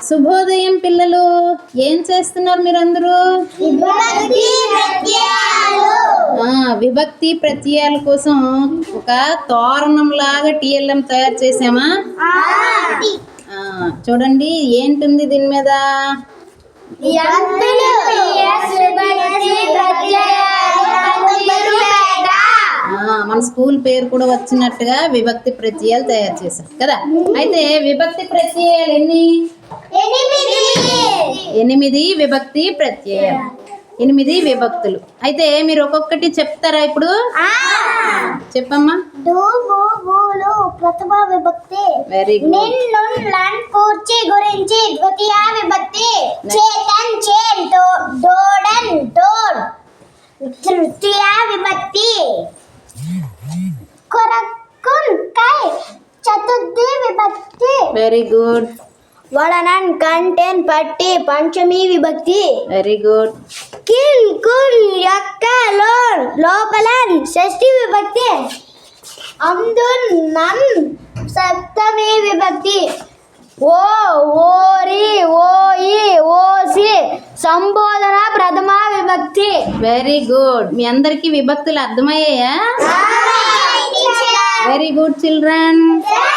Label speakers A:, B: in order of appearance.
A: శుభోదయం పిల్లలు, ఏం చేస్తున్నారు మీరందరూ? విభక్తి ప్రత్యయాల కోసం ఒక తోరణం లాగా టీఎల్ఎం తయారు చేసామా? చూడండి ఏంటుంది దీని మీద. మన స్కూల్ పేరు కూడా వచ్చినట్టుగా విభక్తి ప్రత్యయాలు తయారు చేశాం కదా. అయితే విభక్తి ప్రత్యయాలు ఎన్ని? 8 విభక్తి ప్రత్యయాలు, 8 విభక్తులు. అయితే మీరు ఒక్కొక్కటి చెప్తారా ఇప్పుడు? చెప్పమ్మా.
B: ప్రథమ విభక్తి.
A: Very good.
B: కూర్చి గురించి ద్వితీయ విభక్తి. చేతన్ చేన్ డోడన్ డోర్ తృతీయ విభక్తి. కొరకున్ కై చతుర్థి విభక్తి.
A: Very good.
B: వడనన్ కంటెన్ పట్టి పంచమి విభక్తి.
A: Very good.
B: కిన్ కున్ యొక్క లోన్ లోపలన్ షష్ఠి విభక్తి. అందున్ నన్ సప్తమి విభక్తి. ఓ ఓరి ఓయి ఓసి సంబోధన ప్రథమ విభక్తి.
A: Very good. మీ అందరికి విభక్తులు అర్థమయ్యాయా? Very good children.